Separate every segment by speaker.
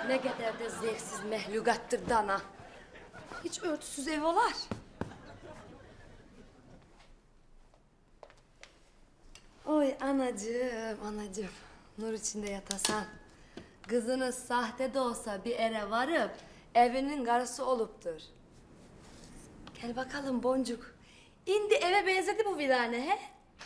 Speaker 1: Ne kadar da zevksiz mehlukattır dana. Hiç örtüsüz ev olar. Oy anacığım, anacığım. Nur içinde yatasan. Kızınız sahte de olsa bir ere varıp evinin karısı oluptur. Gel bakalım Boncuk. İndi eve benzedi bu virane he?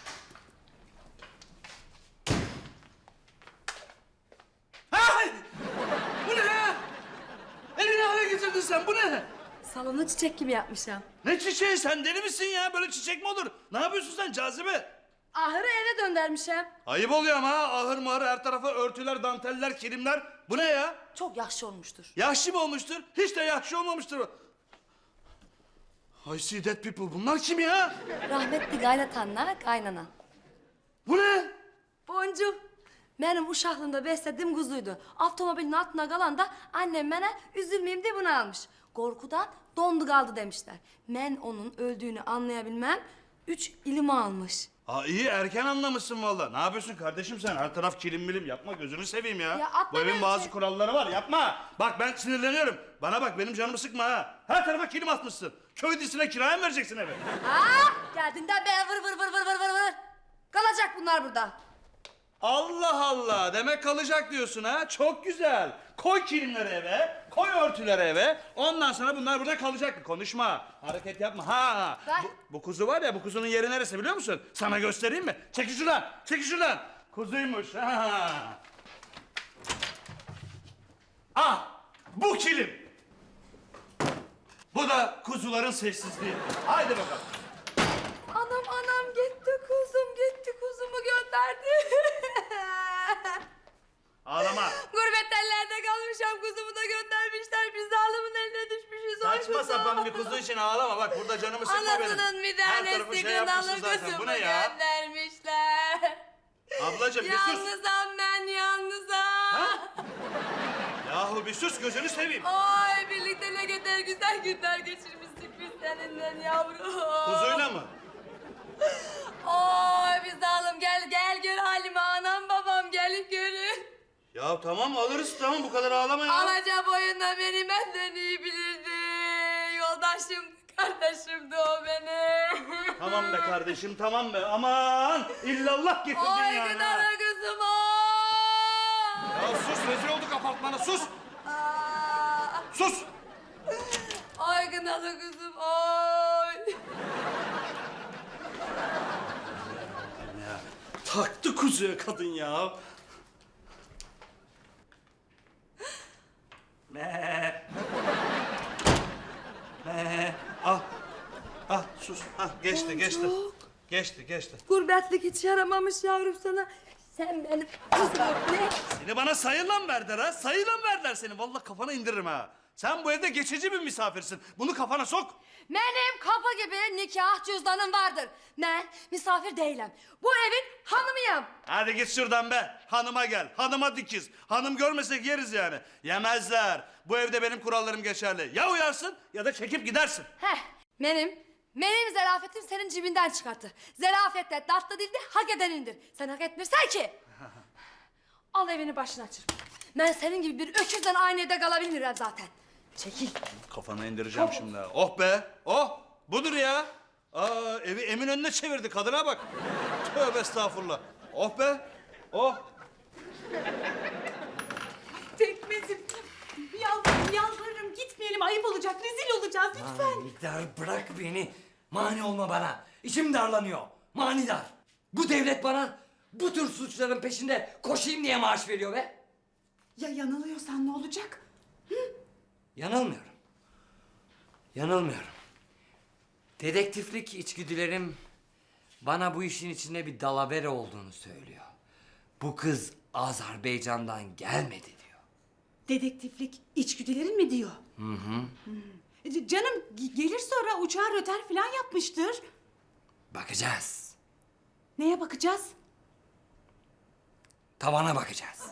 Speaker 2: Ay! Bu ne ya? Elini hale getirdin sen, bu ne?
Speaker 1: Salonu çiçek gibi yapmışım.
Speaker 2: Ne çiçeği, sen deli misin ya? Böyle çiçek mi olur? Ne yapıyorsun sen Cazibe?
Speaker 1: Ahırı eve döndürmüşüm.
Speaker 2: Ayıp oluyor ama ha. Ahır mahır her tarafa örtüler, danteller, kilimler. Bu ne ya?
Speaker 1: Çok yaşlı olmuştur.
Speaker 2: Yaşlı mı olmuştur? Hiç de yaşlı olmamıştır. I see dead people. Bunlar kim ya?
Speaker 1: Rahmetli kaynatanla kaynana.
Speaker 2: Bu ne?
Speaker 1: Boncuk. Benim uşaklığımda beslediğim kuzuydu. Avtomobilin altına kalan da annem bana üzülmeyeyim diye bunu almış. Korkudan dondu kaldı demişler. Ben onun öldüğünü anlayabilmem 3 ilimi almış.
Speaker 2: Aa iyi, erken anlamışsın vallahi. Ne yapıyorsun kardeşim sen? Her taraf kilim bilim. Yapma, gözünü seveyim ya.
Speaker 1: Ya atma
Speaker 2: Bu evin
Speaker 1: ben
Speaker 2: bazı
Speaker 1: şey-
Speaker 2: kuralları var, yapma. Bak ben sinirleniyorum. Bana bak, benim canımı sıkma ha. Her tarafa kilim atmışsın. Köy dizisine kiraya mı vereceksin evi?
Speaker 1: Geldiğinden beri vır vır vır vır vır vır vır. Kalacak bunlar burada.
Speaker 2: Allah Allah, demek kalacak diyorsun ha. Çok güzel. Koy kilimleri eve, koy örtüleri eve. Ondan sonra bunlar burada kalacak. Konuşma, hareket yapma. Ha.
Speaker 1: Ben-
Speaker 2: Bu kuzu var ya, bu kuzunun yeri neresi biliyor musun? Sana göstereyim mi? Çekil şuradan, çekil şuradan. Kuzuymuş. Ha. Ah, bu kilim. Bu da kuzuların sessizliği. Haydi bakalım.
Speaker 1: Anam gitti kuzumu gönderdi.
Speaker 2: Ağlama.
Speaker 1: Gurbet ellerde kalmışam kuzumu da göndermişler. Biz de alımın eline düşmüşüz. Oy
Speaker 2: Saçma
Speaker 1: kuzum.
Speaker 2: sapan bir kuzu için ağlama, bak burada canımı sıkma benim.
Speaker 1: Anasının bir
Speaker 2: Her tarafı
Speaker 1: tanesi
Speaker 2: şey yapmışsın
Speaker 1: kınalı
Speaker 2: zaten. Bu
Speaker 1: kuzumu
Speaker 2: ne ya?
Speaker 1: göndermişler.
Speaker 2: Ablacığım bir sus.
Speaker 1: Yalnızam ben yalnızam.
Speaker 2: Yahu bir sus, gözünü seveyim.
Speaker 1: Ay birlikte ne kadar güzel günler geçirmiştik biz seninle yavrum.
Speaker 2: Kuzuyla mı?
Speaker 1: Oy biz alım gel gör halime anam babam gelip görün.
Speaker 2: Ya tamam alırız, tamam bu kadar ağlama ya.
Speaker 1: Alaca boyunda beni benden iyi bilirdi. Yoldaşımdı, kardeşimdi o benim.
Speaker 2: Tamam be kardeşim, tamam be. Aman illallah getirdin
Speaker 1: Oy
Speaker 2: yani.
Speaker 1: gıdalı
Speaker 2: ha.
Speaker 1: kızım oy.
Speaker 2: Ya sus, rezil olduk apartmana, sus.
Speaker 1: Aa,
Speaker 2: Sus.
Speaker 1: Oy gıdalı kızım oy.
Speaker 2: Ya, taktı kuzuya kadın ya. Me. Me. Ah. Ah sus. Ah geçti geçti.
Speaker 1: Boncuk.
Speaker 2: Geçti.
Speaker 1: Gurbetlik hiç yaramamış yavrum sana. Sen benim kızım ne?
Speaker 2: Seni bana sayılan verdiler ha. Sayılan verdiler seni. Vallahi kafana indiririm ha. Sen bu evde geçici bir misafirsin. Bunu kafana sok.
Speaker 1: Benim kapı gibi nikah cüzdanım vardır. Ben misafir değilim. Bu evin hanımıyım.
Speaker 2: Hadi git şuradan be. Hanıma gel. Hanıma dikiz. Hanım görmesek yeriz yani. Yemezler. Bu evde benim kurallarım geçerli. Ya uyarsın ya da çekip gidersin.
Speaker 1: Benim zarafetim senin cibinden çıkarttı. Zarafet tatlı dilde hak edenindir. Sen hak etmirsen ki. Al evini başına çırp. Ben senin gibi bir öküzden aynı evde kalabilmiyorum zaten. Çekil.
Speaker 2: Kafana indireceğim şimdi. ha. Oh be. Oh. Budur ya. Aa, evi Eminönü'ne çevirdi. Kadına bak. Tövbe estağfurullah. Oh be. Oh.
Speaker 3: Pekmezim. Yalvarırım gitmeyelim, ayıp olacak, rezil olacağız lütfen.
Speaker 4: Manidar bırak beni. Mani olma bana. İçim darlanıyor. Manidar. Bu devlet bana bu tür suçların peşinde koşayım diye maaş veriyor be.
Speaker 3: Ya yanılıyorsan ne olacak?
Speaker 4: Yanılmıyorum. Yanılmıyorum. Dedektiflik içgüdülerim bana bu işin içinde bir dalavere olduğunu söylüyor. Bu kız Azerbaycan'dan gelmedi diyor.
Speaker 3: Dedektiflik içgüdülerin mi diyor? Canım gelir sonra uçağa röter falan yapmıştır.
Speaker 4: Bakacağız.
Speaker 3: Neye bakacağız?
Speaker 4: Tavana bakacağız.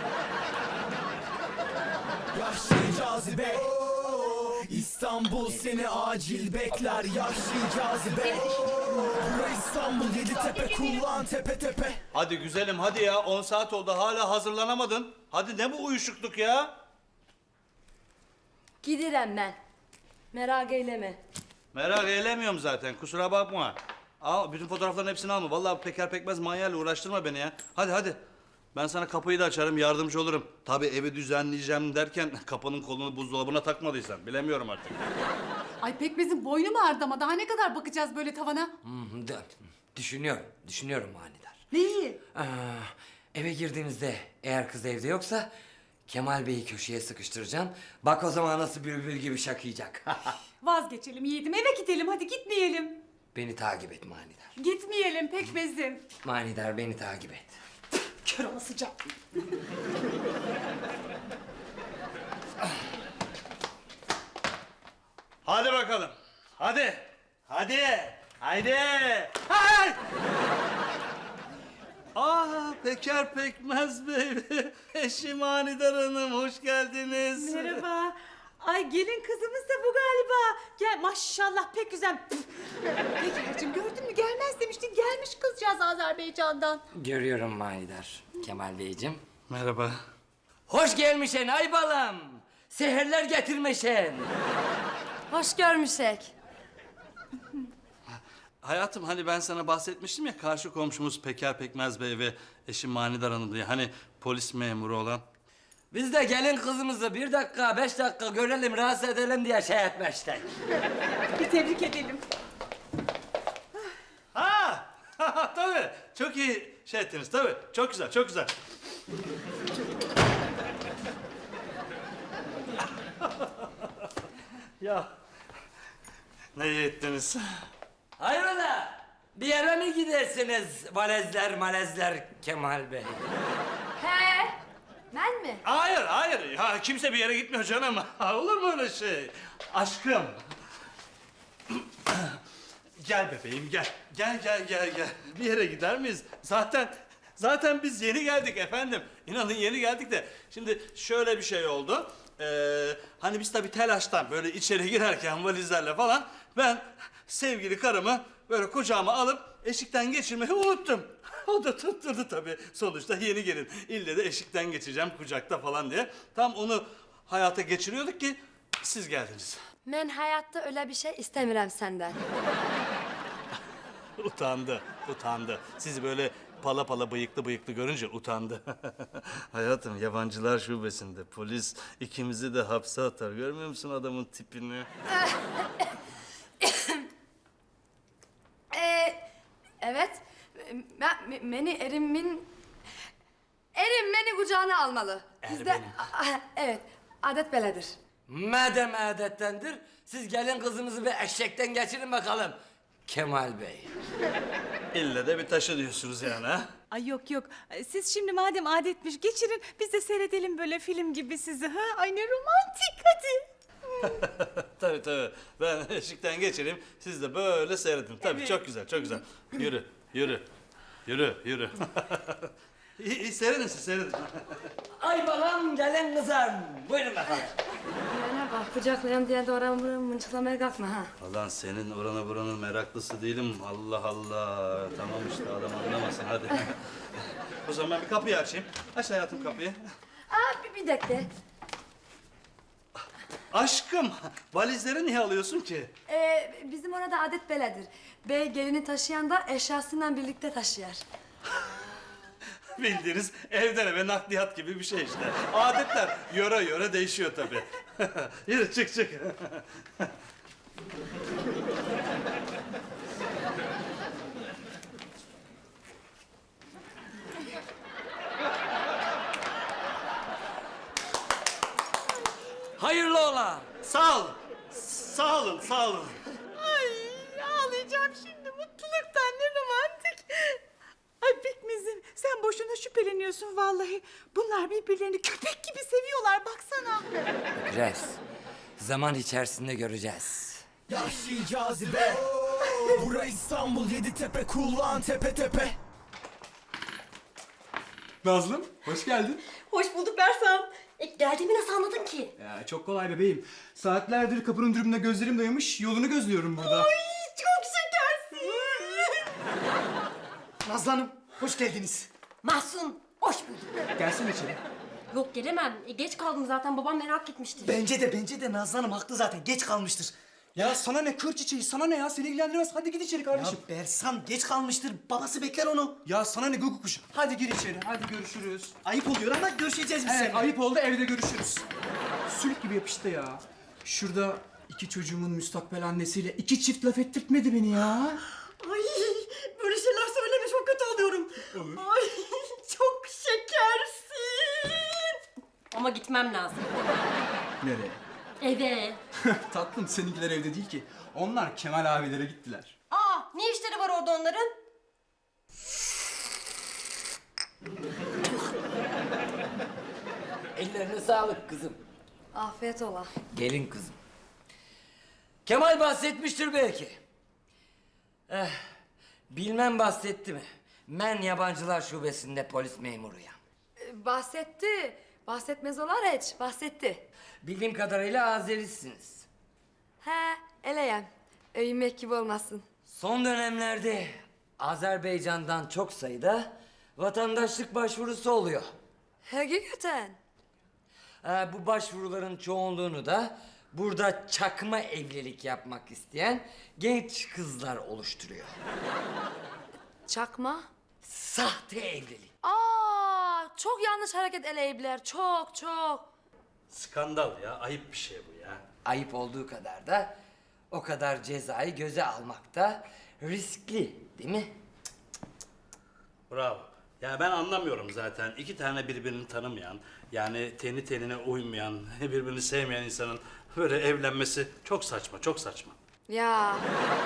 Speaker 5: Yaşlı cazibe İstanbul seni acil bekler. Yaşlı cazibe Bura İstanbul, Yeditepe, kullan tepe tepe.
Speaker 2: Hadi güzelim hadi ya. 10 saat oldu hala hazırlanamadın. Hadi ne bu uyuşukluk ya?
Speaker 1: Gidirem ben. Merak eyleme.
Speaker 2: Merak eylemiyorum zaten, kusura bakma. Al, bütün fotoğrafların hepsini alma. Vallahi Peker Pekmez manyağıyla uğraştırma beni ya. Hadi hadi. Ben sana kapıyı da açarım, yardımcı olurum. Tabii evi düzenleyeceğim derken kapının kolunu buzdolabına takmadıysan bilemiyorum artık.
Speaker 3: Ay Pekmez'in boynu mu ağrıdı ama daha ne kadar bakacağız böyle tavana?
Speaker 4: Düşünüyorum manidar.
Speaker 3: Neyi?
Speaker 4: Eve girdiğinizde eğer kız evde yoksa Kemal Bey'i köşeye sıkıştıracağım. Bak o zaman nasıl bülbül gibi şakıyacak.
Speaker 3: Vazgeçelim yiğidim, eve gidelim, hadi gitmeyelim.
Speaker 4: Beni takip et manidar.
Speaker 3: Gitmeyelim Pekmez'im.
Speaker 4: Manidar beni takip et.
Speaker 3: Kör olasıca.
Speaker 2: Hadi bakalım. Hadi. Hadi. Haydi. Hay! Peker Pekmez Bey. Eşim Manidar Hanım, hoş geldiniz.
Speaker 3: Merhaba. Ay gelin kızımız da bu galiba. Gel maşallah pek güzel. Peker'cim gördün mü gelmez demiştin. Gelmiş kızcağız Azerbaycan'dan.
Speaker 4: Görüyorum manidar Kemal Beyciğim.
Speaker 2: Merhaba.
Speaker 4: Hoş gelmişsin ay balam. Seherler getirmişsin.
Speaker 1: Hoş görmüşek.
Speaker 2: Hayatım, hani ben sana bahsetmiştim ya, karşı komşumuz Peker Pekmez Bey ve eşim Manidar Hanım diye. Hani polis memuru olan.
Speaker 4: Biz de gelin kızımızı 1 dakika 5 dakika görelim rahatsız edelim diye şey etmiştik.
Speaker 3: Bir tebrik edelim.
Speaker 2: Ha! Tabii. Çok iyi şey ettiniz tabii. Çok güzel, çok güzel. Ya ne iyi ettiniz.
Speaker 4: Hayrola? Bir yere mi gidersiniz valezler malezler Kemal Bey?
Speaker 1: He? Ben mi?
Speaker 2: Hayır, hayır. Ya kimse bir yere gitmiyor canım. Olur mu öyle şey? Aşkım. Gel bebeğim, gel. Gel. Bir yere gider miyiz? Zaten biz yeni geldik efendim. İnanın yeni geldik de. Şimdi şöyle bir şey oldu. Hani biz tabii telaştan böyle içeri girerken valizlerle falan ben sevgili karımı böyle kucağıma alıp eşikten geçirmeyi unuttum. O da tutturdu tabii. Sonuçta yeni gelin. İlle de eşikten geçeceğim kucakta falan diye. Tam onu hayata geçiriyorduk ki siz geldiniz.
Speaker 1: Ben hayatta öyle bir şey istemiyorum senden.
Speaker 2: Utandı. Sizi böyle pala pala bıyıklı görünce utandı. Hayatım, yabancılar şubesinde polis ikimizi de hapse atar. Görmüyor musun adamın tipini?
Speaker 1: Evet. Erim beni kucağına almalı.
Speaker 2: benim.
Speaker 1: Evet. Adet beledir.
Speaker 4: Madem adettendir, siz gelin kızımızı bir eşekten geçirin bakalım. Kemal Bey.
Speaker 2: İlle de bir taşı diyorsunuz yani ha?
Speaker 3: Ay yok. Siz şimdi madem adetmiş geçirin biz de seyredelim böyle film gibi sizi ha. Ay ne romantik hadi.
Speaker 2: Tabii. Ben eşikten geçireyim. Siz de böyle seyredin. Tabii
Speaker 3: Evet.
Speaker 2: çok güzel. Yürü. İyi seyredin siz, seyredin.
Speaker 4: Ay balam gelin kızım. Buyurun bakalım.
Speaker 1: Bana bak, kucaklayan diye de oran buranı mınçıklamaya kalkma ha.
Speaker 2: Ulan senin orana buranın meraklısı değilim. Allah. Tamam işte, adam anlamasın hadi. O zaman ben bir kapıyı açayım. Aç hayatım kapıyı.
Speaker 1: Bir dakika.
Speaker 2: Aşkım, valizleri niye alıyorsun ki?
Speaker 1: Bizim orada adet beledir. Bey gelini taşıyan da eşyasıyla birlikte taşıyar.
Speaker 2: Bildiğiniz evden eve nakliyat gibi bir şey işte. Adetler yöre değişiyor tabii. Yürü çık.
Speaker 4: Hayırlı ola.
Speaker 2: Sağ olun.
Speaker 3: Ay ağlayacağım şimdi mutluluktan ne romantik. Ay Pekmez'im sen boşuna şüpheleniyorsun vallahi. Bunlar birbirlerini köpek gibi seviyorlar baksana.
Speaker 4: Göreceğiz. Zaman içerisinde göreceğiz.
Speaker 5: Yahşi cazibe. Bura İstanbul Yeditepe, kullan tepe tepe.
Speaker 6: Nazlım, hoş geldin.
Speaker 7: Hoş bulduk Bersam. Geldiğimi nasıl anladın ki?
Speaker 6: Ya çok kolay bebeğim. Saatlerdir kapının dürümüne gözlerim dayamış, yolunu gözlüyorum burada.
Speaker 7: Çok şekersin.
Speaker 6: Nazlı Hanım, hoş geldiniz.
Speaker 7: Mahsun, hoş bulduk.
Speaker 6: Gelsene içeri.
Speaker 7: Yok gelemem. Geç kaldım zaten. Babam merak etmiştir.
Speaker 6: Bence de Nazlı Hanım haklı zaten. Geç kalmıştır.
Speaker 5: Ya sana ne kır çiçeği, sana ne ya? Seni ilgilendirmez. Hadi git içeri kardeşim.
Speaker 6: Ya Bersan geç kalmıştır. Babası bekler onu.
Speaker 5: Ya sana ne guguk kuşu? Hadi gir içeri. Hadi görüşürüz.
Speaker 6: Ayıp oluyor ama görüşeceğiz biz
Speaker 5: Evet,
Speaker 6: seninle.
Speaker 5: ayıp oldu. Evde görüşürüz. Sülük gibi yapıştı ya. Şurada iki çocuğumun müstakbel annesiyle iki çift laf ettirtmedi beni ya.
Speaker 7: Ay böyle şeyler söyleme çok kötü oluyorum. Ay çok şekersin. Ama gitmem lazım.
Speaker 5: Nereye?
Speaker 7: Eve.
Speaker 5: Tatlım seninkiler evde değil ki. Onlar Kemal abilere gittiler.
Speaker 7: Aa ne işleri var orada onların?
Speaker 4: Ellerine sağlık kızım.
Speaker 1: Afiyet ola.
Speaker 4: Gelin kızım. Kemal bahsetmiştir belki. Bilmem bahsetti mi? Ben yabancılar şubesinde polis memuruyum.
Speaker 1: Bahsetti. Bahsetmez olar hiç. Bahsetti.
Speaker 4: Bildiğim kadarıyla Azerisiniz.
Speaker 1: He, eleyem. Öymek gibi olmasın.
Speaker 4: Son dönemlerde Azerbaycan'dan çok sayıda vatandaşlık başvurusu oluyor.
Speaker 1: Hakikaten.
Speaker 4: Bu başvuruların çoğunluğunu da burada çakma evlilik yapmak isteyen genç kızlar oluşturuyor.
Speaker 1: Çakma.
Speaker 4: Sahte evlilik.
Speaker 1: Çok yanlış hareket eleyipler. Çok çok.
Speaker 2: Skandal ya, ayıp bir şey bu ya.
Speaker 4: Ayıp olduğu kadar da o kadar cezayı göze almak da riskli değil mi?
Speaker 2: Bravo. Ya ben anlamıyorum zaten. İki tane birbirini tanımayan, yani teni tenine uymayan, birbirini sevmeyen insanın böyle evlenmesi çok saçma, çok saçma.
Speaker 1: Ya.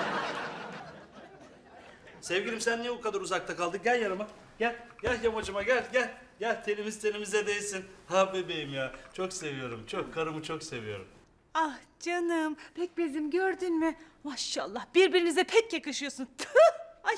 Speaker 2: Sevgilim sen niye o kadar uzakta kaldın? Gel yanıma. Gel yamacıma gel. Gel tenimiz tenimize değsin. Ha bebeğim ya. Çok seviyorum. Çok karımı çok seviyorum.
Speaker 3: Ah canım, Pekmezim gördün mü? Maşallah birbirinize pek yakışıyorsun. Tüh! Ay.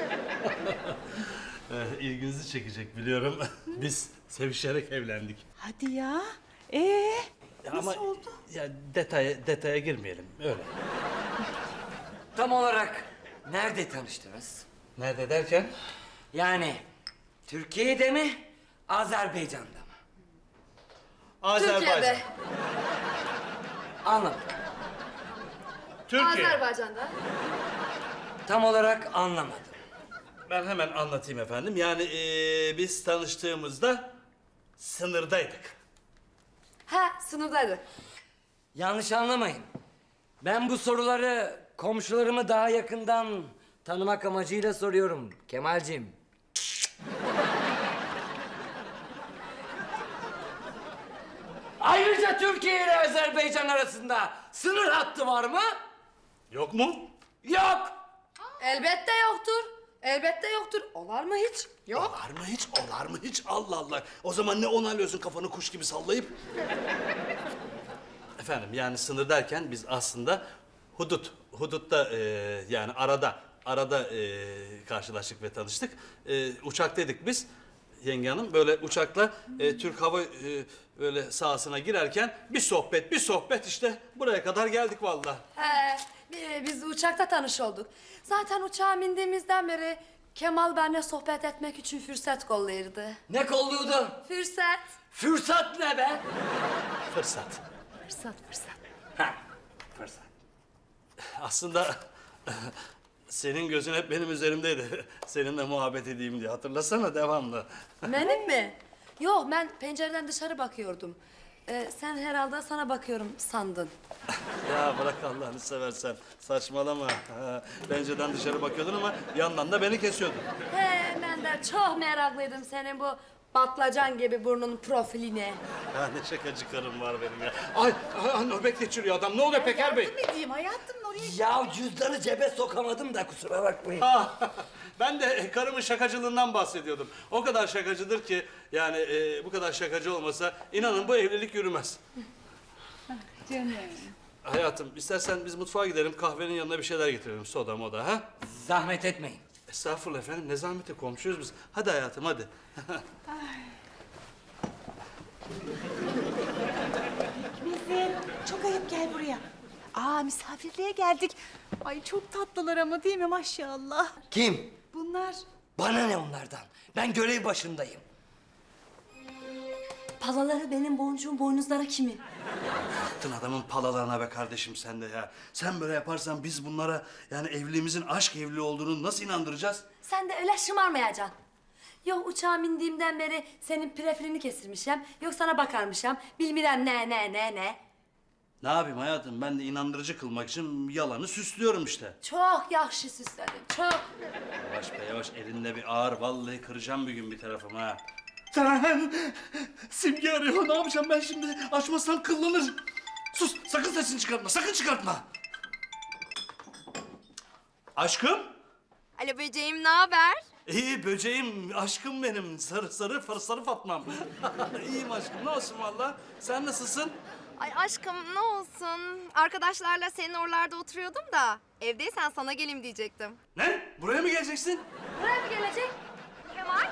Speaker 2: İlginizi çekecek biliyorum. Biz sevişerek evlendik.
Speaker 3: Hadi ya.
Speaker 2: Ya
Speaker 3: Nasıl
Speaker 2: ama
Speaker 3: oldu?
Speaker 2: ya detaya girmeyelim. Öyle.
Speaker 4: Tam olarak nerede tanıştınız?
Speaker 2: Nerede derken?
Speaker 4: Yani Türkiye'de mi, Azerbaycan'da mı?
Speaker 2: Azerbaycan.
Speaker 1: Türkiye'de.
Speaker 4: Anladım.
Speaker 2: Türkiye.
Speaker 1: Azerbaycan'da.
Speaker 4: Tam olarak anlamadım.
Speaker 2: Ben hemen anlatayım efendim. Yani biz tanıştığımızda sınırdaydık.
Speaker 1: He, sınırdaydı.
Speaker 4: Yanlış anlamayın. Ben bu soruları komşularımı daha yakından tanımak amacıyla soruyorum Kemalciğim. Ayrıca Türkiye ile Azerbaycan arasında sınır hattı var mı?
Speaker 2: Yok mu?
Speaker 4: Yok.
Speaker 1: Elbette yoktur. Elbette yoktur. Olar mı hiç? Yok.
Speaker 2: Olar mı hiç? Olar mı hiç? Allah Allah. O zaman ne onaylıyorsun kafanı kuş gibi sallayıp? Efendim yani sınır derken biz aslında hudutta yani arada karşılaştık ve tanıştık. Uçaktaydık biz. Yenge hanım böyle uçakla Türk Hava böyle sahasına girerken bir sohbet işte buraya kadar geldik vallahi.
Speaker 1: He, biz uçakta tanış olduk. Zaten uçağa bindiğimizden beri Kemal benimle sohbet etmek için fırsat kollayırdı.
Speaker 4: Ne kolluyordu?
Speaker 1: Fırsat.
Speaker 4: Fırsat ne be?
Speaker 2: Fırsat.
Speaker 1: Fırsat.
Speaker 4: Ha, fırsat.
Speaker 2: Aslında senin gözün hep benim üzerimdeydi. Seninle muhabbet edeyim diye. Hatırlasana devamlı.
Speaker 1: Benim mi? Yok, ben pencereden dışarı bakıyordum. Sen herhalde sana bakıyorum sandın.
Speaker 2: Ya bırak Allah'ını seversen. Saçmalama. Ha, pencereden dışarı bakıyordun ama yandan da beni kesiyordun.
Speaker 1: He, ben de çok meraklıydım senin bu patlıcan gibi burnun profiline.
Speaker 2: Ya ne şakacı karım var benim ya. Ay nöbet geçiriyor adam. Ne oluyor Peker Bey?
Speaker 3: Yardım edeyim hayatım oraya.
Speaker 4: Ya cüzdanı cebe sokamadım da kusura bakmayın.
Speaker 2: Ben de karımın şakacılığından bahsediyordum. O kadar şakacıdır ki yani bu kadar şakacı olmasa inanın bu evlilik yürümez.
Speaker 3: Canım.
Speaker 2: Hayatım istersen biz mutfağa gidelim kahvenin yanına bir şeyler getirelim soda moda ha?
Speaker 4: Zahmet etmeyin.
Speaker 2: Estağfurullah efendim ne zahmeti komşuyuz biz. Hadi hayatım hadi.
Speaker 3: Bizim çok ayıp gel buraya. Aa misafirliğe geldik. Ay çok tatlılar ama değil mi maşallah.
Speaker 4: Kim?
Speaker 3: Bunlar
Speaker 4: Bana ne onlardan? Ben görev başındayım.
Speaker 1: palaları benim boncuğum, boynuzları kimin?
Speaker 2: Attın adamın palalarına be kardeşim sen de ya. Sen böyle yaparsan biz bunlara yani evliliğimizin aşk evliliği olduğunu nasıl inandıracağız?
Speaker 1: Sen de öyle şımarmayacaksın. Yok uçağa bindiğimden beri senin prefilini kesirmişim. Yok sana bakarmışım. Bilmirem ne.
Speaker 2: Ne yapayım hayatım? Ben de inandırıcı kılmak için yalanı süslüyorum işte.
Speaker 1: Çok yakşı süsledin, çok.
Speaker 2: Yavaş be yavaş, elinde bir ağır. Vallahi kıracağım bir gün bir tarafımı ha. Simge arıyor. Ne yapacağım ben şimdi? Açmazsam kıllanır. Sus, sakın sesini çıkartma, sakın çıkartma. Aşkım?
Speaker 8: Alo böceğim, ne haber?
Speaker 2: İyi böceğim, aşkım benim. Sarı Fatmam. İyiyim aşkım, ne olsun valla. Sen nasılsın?
Speaker 8: Ay aşkım ne olsun. Arkadaşlarla senin oralarda oturuyordum da evdeysen sana geleyim diyecektim.
Speaker 2: Ne? Buraya mı geleceksin?
Speaker 1: Buraya mı gelecek?
Speaker 8: Kemal?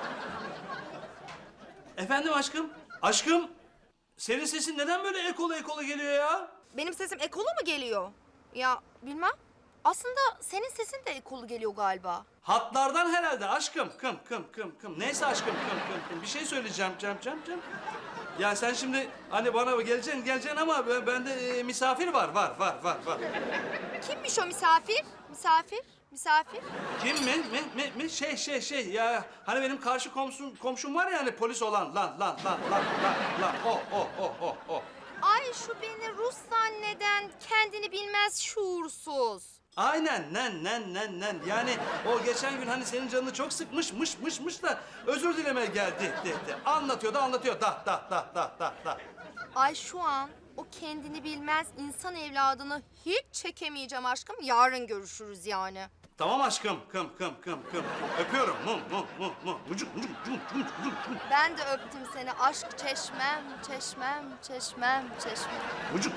Speaker 2: Efendim aşkım? Aşkım, senin sesin neden böyle ekola geliyor ya?
Speaker 8: Benim sesim ekolu mu geliyor? Ya bilmem. Aslında senin sesin de ekolu geliyor galiba.
Speaker 2: Hatlardan herhalde aşkım. Kım. Neyse aşkım kım. Bir şey söyleyeceğim cam. Ya sen şimdi hani bana geleceksin ama bende misafir var.
Speaker 8: Kimmiş o misafir? Misafir?
Speaker 2: Kim mi? Şey ya hani benim karşı komşum var ya hani polis olan lan. O.
Speaker 8: Ay şu beni Rus zanneden kendini bilmez şuursuz.
Speaker 2: Aynen nen. Yani o geçen gün hani senin canını çok sıkmış da özür dilemeye geldi. Anlatıyor da.
Speaker 8: Ay şu an o kendini bilmez insan evladını hiç çekemeyeceğim aşkım. Yarın görüşürüz yani.
Speaker 2: Tamam aşkım kım. Öpüyorum mu. Mucuk.
Speaker 8: Ben de öptüm seni aşk çeşmem.
Speaker 2: Mucuk.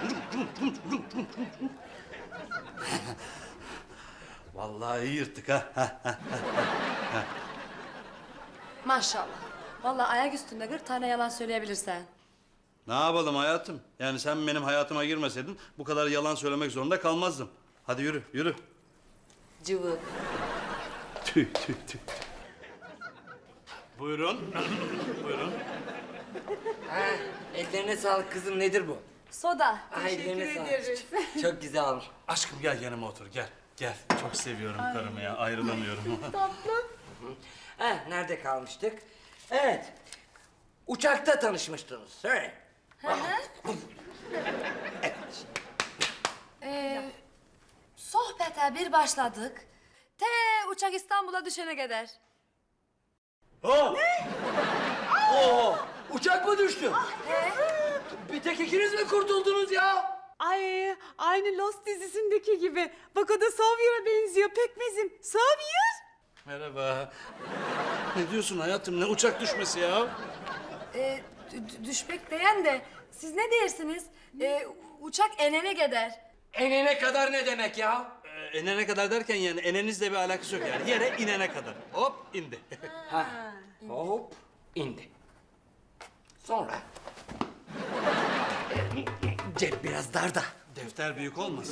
Speaker 2: Vallahi iyi yırttık ha.
Speaker 1: Maşallah. Vallahi ayak üstünde 40 tane yalan söyleyebilirsen.
Speaker 2: Ne yapalım hayatım? Yani sen benim hayatıma girmeseydin bu kadar yalan söylemek zorunda kalmazdım. Hadi yürü.
Speaker 1: Cıvık.
Speaker 2: Tüh. Buyurun.
Speaker 4: Ha, ellerine sağlık kızım, nedir bu?
Speaker 1: Soda.
Speaker 4: Ay, ellerine sağlık. Çok güzel olmuş.
Speaker 2: Aşkım gel yanıma otur gel. Çok seviyorum karımı ya ayrılamıyorum.
Speaker 4: Ha, nerede kalmıştık? Evet. Uçakta tanışmıştınız. Söyle.
Speaker 1: Sohbete bir başladık. Uçak İstanbul'a düşene kadar.
Speaker 4: Uçak mı düştü? Bir tek ikiniz mi kurtuldunuz ya?
Speaker 3: Ay aynı Lost dizisindeki gibi. Bak o da Savyer'a benziyor pekmezim. Savyer.
Speaker 2: Merhaba. Ne diyorsun hayatım? Ne uçak düşmesi ya?
Speaker 1: Düşmek diyen de siz ne dersiniz? Uçak enene gider.
Speaker 4: Enene kadar ne demek ya?
Speaker 2: Enene kadar derken yani enenizle bir alakası yok yani. Yere inene kadar. Hop indi.
Speaker 4: Hop indi. Sonra cep biraz darda.
Speaker 2: Defter büyük olmasın.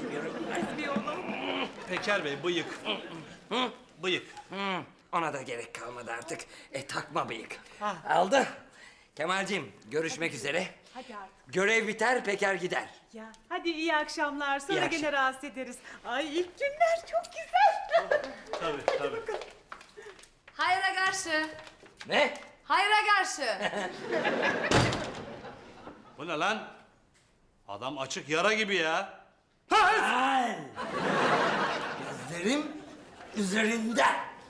Speaker 2: Peker Bey bıyık. Bıyık.
Speaker 4: Ona da gerek kalmadı artık. Takma bıyık. Aldı. Kemalciğim görüşmek üzere.
Speaker 3: Hadi artık.
Speaker 4: Görev biter, Peker gider.
Speaker 3: Ya hadi iyi akşamlar. Sonra
Speaker 4: İyi
Speaker 3: gene rahatsız ederiz. Ay ilk günler çok güzel.
Speaker 2: Tabii.
Speaker 1: Hayra karşı.
Speaker 4: Ne?
Speaker 1: Hayra karşı.
Speaker 2: Bu ne lan? Adam açık yara gibi ya.
Speaker 4: Ay! Gözlerim üzerinde.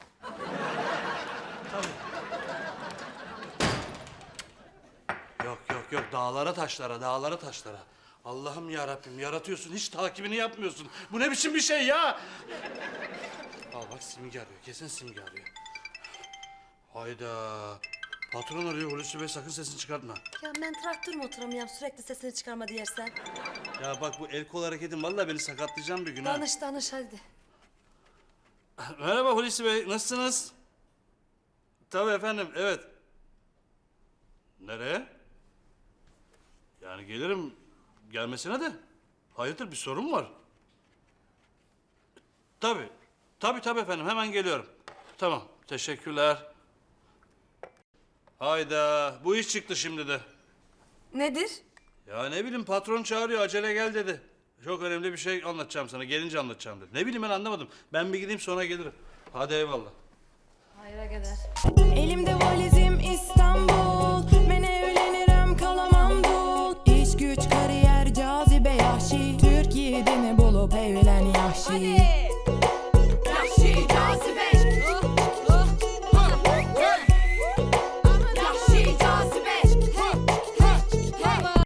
Speaker 2: Yok dağlara taşlara. Allah'ım ya Rabbim yaratıyorsun hiç takibini yapmıyorsun. Bu ne biçim bir şey ya? Al bak Simge arıyor. Kesin Simge arıyor. Hayda. Patron arıyor Hulusi Bey sakın sesini çıkartma.
Speaker 1: Ya ben traktör motorum sürekli sesini çıkarma diyersen.
Speaker 2: Ya bak bu el kol hareketin vallahi beni sakatlayacağım bir gün ha.
Speaker 1: Danış hadi.
Speaker 2: Merhaba Hulusi Bey nasılsınız? Tabii efendim evet. Nereye? Yani gelirim gelmesine de. Hayırdır bir sorun mu var? Tabii efendim hemen geliyorum. Tamam teşekkürler. Hayda, bu iş çıktı şimdi de.
Speaker 1: Nedir?
Speaker 2: Ya ne bileyim, patron çağırıyor, acele gel dedi. Çok önemli bir şey anlatacağım sana, gelince anlatacağım dedi. Ne bileyim, ben anlamadım. Ben bir gideyim, sonra gelirim. Hadi eyvallah.
Speaker 1: Hayra gider.
Speaker 9: Elimde valizim İstanbul. Ben evlenirim kalamam dul. İş güç kariyer cazibe yahşi. Türkiye'de ne bulup evlen yahşi.